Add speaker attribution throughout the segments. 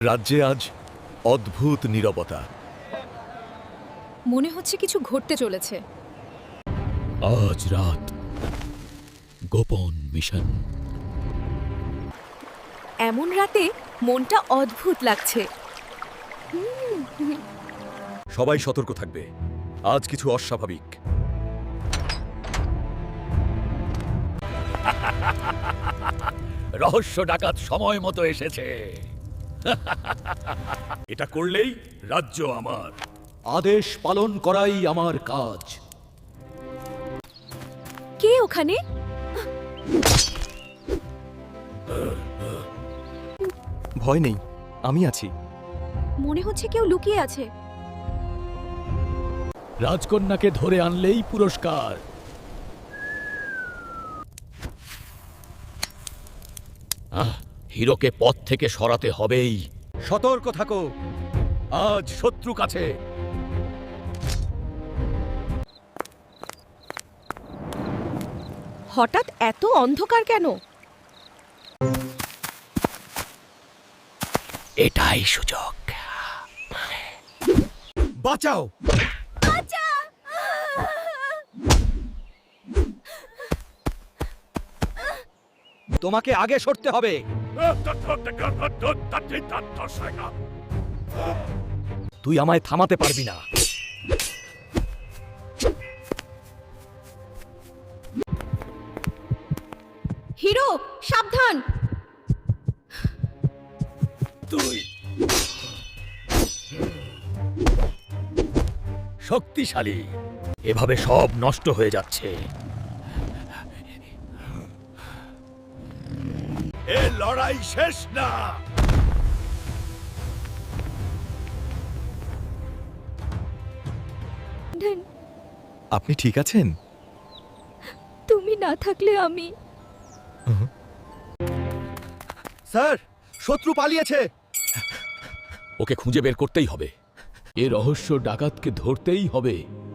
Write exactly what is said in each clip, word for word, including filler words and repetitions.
Speaker 1: রাজ্যে আজ অদ্ভুত নীরবতা।
Speaker 2: মনে হচ্ছে কিছু ঘটতে চলেছে।
Speaker 3: আজ রাত গোপন মিশন।
Speaker 2: এমন রাতে মনটা অদ্ভুত লাগছে।
Speaker 1: সবাই সতর্ক থাকবে, আজ কিছু অস্বাভাবিক।
Speaker 3: রহস্য ডাকাত সময় মতো এসেছে।
Speaker 1: এটা করলেই রাজ্য আমার।
Speaker 3: আদেশ পালন করাই আমার কাজ।
Speaker 2: কে ওখানে?
Speaker 4: ভয় নেই, আমি আছি।
Speaker 2: মনে হচ্ছে কেউ লুকিয়ে আছে।
Speaker 3: রাজকন্যাকে ধরে আনলেই পুরস্কার। আহ, হিরোকে পথ থেকে সরাতে হবেই।
Speaker 1: সতর্ক থাকো, আজ শত্রু কাছে।
Speaker 2: হঠাৎ এত অন্ধকার কেন?
Speaker 3: এটাই সুযোগ।
Speaker 1: বাঁচাও!
Speaker 4: তোমাকে আগে সরতে হবে।
Speaker 3: তুই আমায় থামাতে পারবি না।
Speaker 2: হিরো, সাবধান!
Speaker 3: তুই শক্তিশালী, এভাবে সব নষ্ট হয়ে যাচ্ছে।
Speaker 1: এ লড়াই শেষ না।
Speaker 4: আপনি ঠিক আছেন?
Speaker 2: তুমি না থাকলে আমি।
Speaker 1: স্যার, শত্রু পালিয়েছে।
Speaker 3: ওকে খুঁজে বের করতেই হবে। এ রহস্য ডাকাতকে ধরতেই হবে।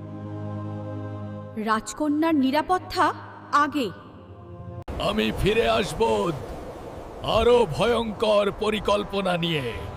Speaker 2: রাজকন্যার নিরাপত্তা আগে।
Speaker 3: আমি ফিরে আসব আরো ভয়ঙ্কর পরিকল্পনা নিয়ে।